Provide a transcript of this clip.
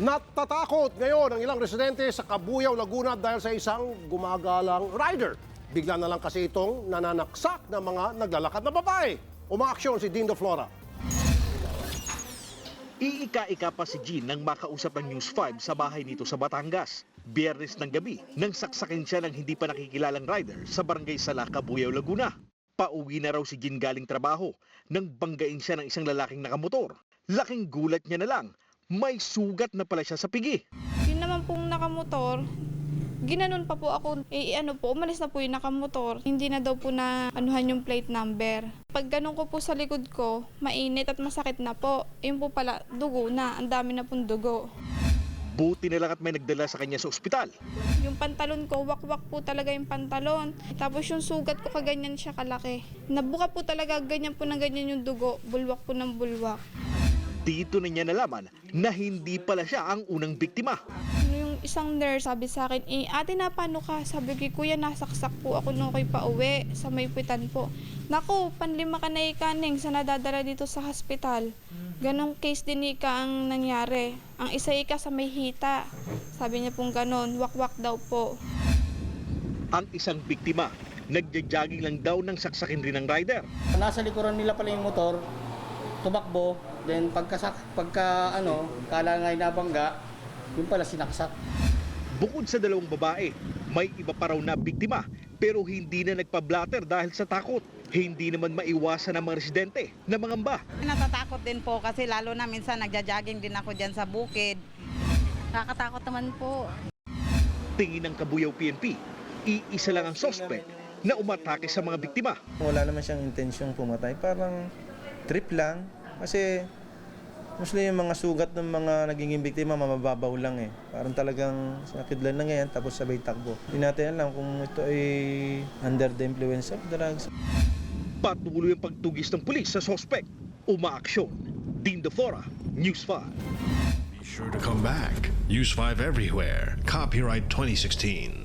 Natatakot ngayon ang ilang residente sa Cabuyao, Laguna dahil sa isang gumagalang rider. Bigla na lang kasi itong nananaksak ng mga naglalakad na babae. Umaaksyon si Dindo Flora. Iika-ika pa si Jean nang makausap ng News 5 sa bahay nito sa Batangas. Biyernes ng gabi nang saksakin siya ng hindi pa nakikilalang rider sa barangay Sala, Cabuyao, Laguna. Pauwi na raw si Jean galing trabaho nang banggain siya ng isang lalaking nakamotor. Laking gulat niya na lang, may sugat na pala siya sa pigi. Yun naman pong nakamotor, ginanon pa po ako, umalis na po yung nakamotor. Hindi na daw po na anuhan yung plate number. Pag ganun ko po sa likod ko, mainit at masakit na po. Yun po pala, dugo na, ang dami na pong dugo. Buti na lang at may nagdala sa kanya sa ospital. Yung pantalon ko, wakwak po talaga yung pantalon. Tapos yung sugat ko, kaganyan siya kalaki. Nabuka po talaga, ganyan po na ganyan yung dugo, bulwak po ng bulwak. Dito na niya nalaman na hindi pala siya ang unang biktima. Yung isang nurse sabi sa akin, ate na paano ka? Sabi ko, kuya nasaksak po ako nung ako'y pauwi sa may pitan po. Naku, panlima ka na ikaning sa nadadala dito sa hospital. Ganong case din ika ang nangyari. Ang isa ika sa may hita. Sabi niya pong ganon, wakwak daw po. Ang isang biktima, nagja-jogging lang daw nang saksakin rin ng rider. Nasa likuran nila pala yung motor, tumakbo, then kala nga'y nabangga, yun pala sinaksak. Bukod sa dalawang babae, may iba pa raw na biktima pero hindi na nagpa-blatter dahil sa takot. Hindi naman maiwasan ng mga residente na mangamba. Natatakot din po kasi lalo na minsan nagja-jogging din ako dyan sa bukid. Nakakatakot naman po. Tingin ng Cabuyao PNP, iisa lang ang suspect na umatake sa mga biktima. Wala naman siyang intensyong pumatay, parang trip lang. Kasi mostly yung mga sugat ng mga naging biktima mamababaw lang eh. Parang talagang sinakidlan na ngayon tapos sabay takbo. Hindi natin alam kung ito ay under the influence of drugs. Patuloy ang pagtugis ng pulis sa suspect. Umaaksyon. Dindo Flora, News 5. Be sure to come back. Use 5 everywhere. Copyright 2016.